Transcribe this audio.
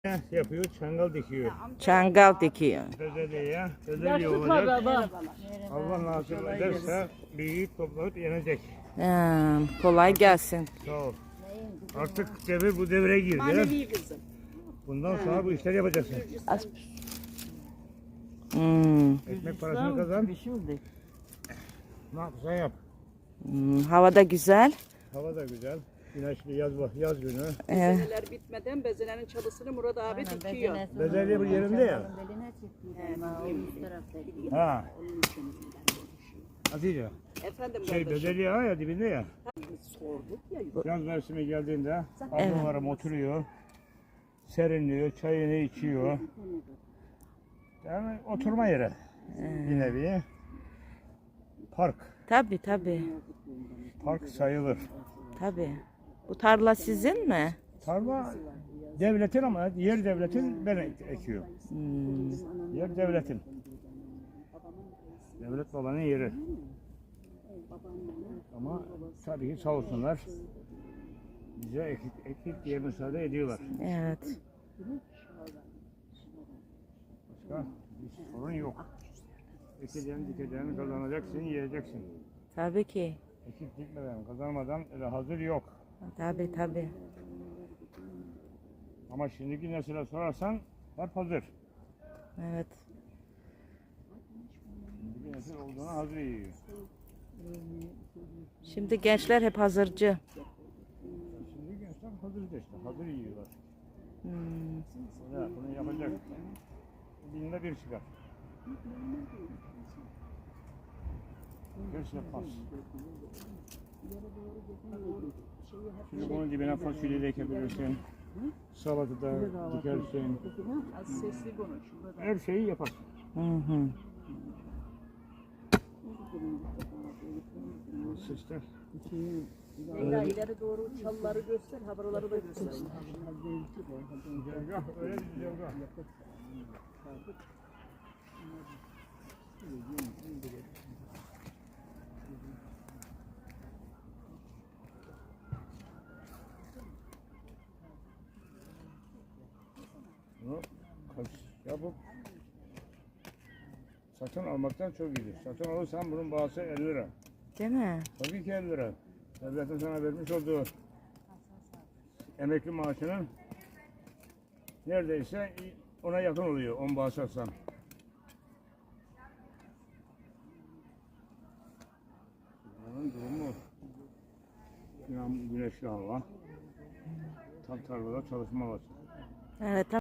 yapıyor, çangal dikiyor. Çangal dikiyor. Bezelye olacak. Allah nasip ederse büyük toplayıp yenecek. Kolay gelsin. Sağ ol. Artık devir bu devre girdi. Manevi kızım. Bundan sonra bu işleri yapacaksın. Ekmek parasını kazan. Ne yapsan yap. Havada güzel. Hava da güzel. Güneşli yaz günü. Bezeneler bitmeden bezelerin çalısını Murat abi dikiyor. Bezelye bu yerinde ya. Ha. Hatice. Efendim Bezelye ya dibinde ya. sorduk ya. Yaz mevsimi geldiğinde ablalarım oturuyor. Serinliyor, çayını içiyor. Yani oturma yeri. Bir nevi. Park. Tabii. Park sayılır. Tabii. Bu tarla sizin mi? Tarla devletin ama yer devletin ben ekiyor. Yer devletin. Devlet babanın yeri. Ama tabii ki sağ olsunlar. Bize ekip diye müsaade ediyorlar. Evet. Başka bir sorun yok. Ekeceğini dikeceğini kazanacaksın, yiyeceksin. Tabii ki. Ekip dikmeden, kazanmadan öyle hazır yok. Tabii. Ama şimdiki nesile sorarsan hep hazır. Evet. Şimdiki nesil olduğuna hazır yiyor. Şimdi gençler hep hazırcı. Şimdi gençler hazır işte, hazır yiyorlar. Ya, bunu yapacak. Binde bir çıkar. Göz yapmaz. Şimdi bunun dibine fasulye de ekebilirsin. Salata da dikersin. Az sesli konuş. Her şeyi yaparsın. Sesler. Leyla ileri doğru çalıları göster, haberleri da göster. Güzergah, öyle bir güzergah. Bunu yapıp satın almaktan çok iyidir. Satın alırsan bunun bağısı 50 lira. Değil mi? Tabii ki 50 lira. Devletin sana vermiş olduğu emekli maaşının neredeyse ona yakın oluyor 10 bağış alsan. Bunun durumu güneşli hava. Tam tarlada çalışma var. Evet.